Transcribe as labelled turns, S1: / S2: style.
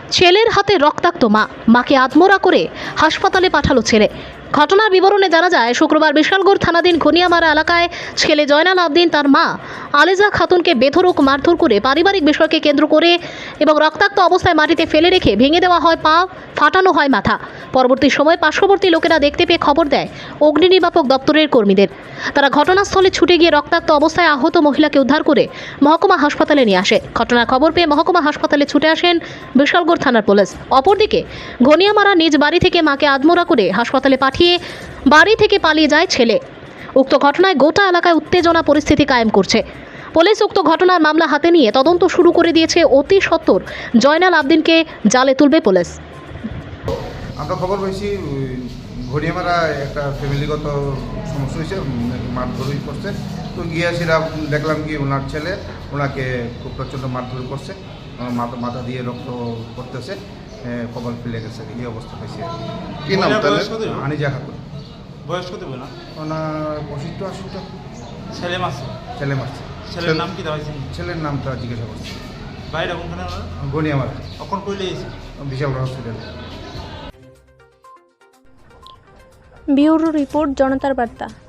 S1: ছেলের হাতে রক্তাক্ত মা, মাকে আত্মহত্যা করে হাসপাতালে পাঠালো ছেলে। ঘটনার বিবরণে জানা যায়, শুক্রবার বিশালগড় থানাধীন ঘনিয়ামারা এলাকায় ছেলে জয়নাল আবদিন তার মা আলেজা খাতুনকে বেধড়ক মারধর করে পারিবারিক বিষয়কে কেন্দ্র করে এবং রক্তাক্ত অবস্থায় মাটিতে ফেলে রেখে ভেঙে দেওয়া হয় পা, ফাটানো হয় মাথা। পরবর্তী সময় পার্শ্ববর্তী লোকেরা দেখতে পেয়ে খবর দেয় অগ্নি নির্বাপক দপ্তরের কর্মীদের। তারা ঘটনাস্থলে ছুটে গিয়ে রক্তাক্ত অবস্থায় আহত মহিলাকে উদ্ধার করে মহকুমা হাসপাতালে নিয়ে আসে। ঘটনার খবর পেয়ে মহকুমা হাসপাতালে ছুটে আসেন বিশালগড় থানার পুলিশ। অপরদিকে ঘনিয়ামারা নিজ বাড়ি থেকে মাকে আত্মহত্যা করে হাসপাতালে পাঠিয়ে বাড়ি থেকে পালিয়ে যায় ছেলে। উক্ত ঘটনায় গোটা এলাকায় উত্তেজনা পরিস্থিতি কায়েম করছে। পুলিশ উক্ত ঘটনার মামলা হাতে নিয়ে তদন্ত শুরু করে দিয়েছে। অতি সত্বর জয়নাল আবদিনকে জালে তুলবে পুলিশ।
S2: আমরা খবর পাইছি ঘড়িয়ামারা একটা ফ্যামিলিগত সমস্যা হয়েছে, মারধরই করছে। তো গিয়েছিলাম, দেখলাম কি ওনার ছেলে ওনাকে খুব প্রচণ্ড মারধর করছে, মাথা দিয়ে রক্ত করতেছে, কপাল ফেলে গেছে, এই অবস্থা পাইছে।
S3: কি নাম তাহলে?
S2: আনিজা খাতুন।
S4: বয়স কত বলে না?
S2: ওনার 85-80টা।
S4: ছেলে মাসে
S2: ছেলে মারছে।
S4: ছেলের নাম কি দেওয়াইছেন?
S2: ছেলের নামটা জিজ্ঞাসা করছে।
S4: বাইরে কোনখানে ওনার?
S2: ঘড়িয়ামারা
S4: কখন কইলে এসে?
S2: বিশাল হসপিটালে।
S5: ব্যুরো রিপোর্ট, জনতার বার্তা।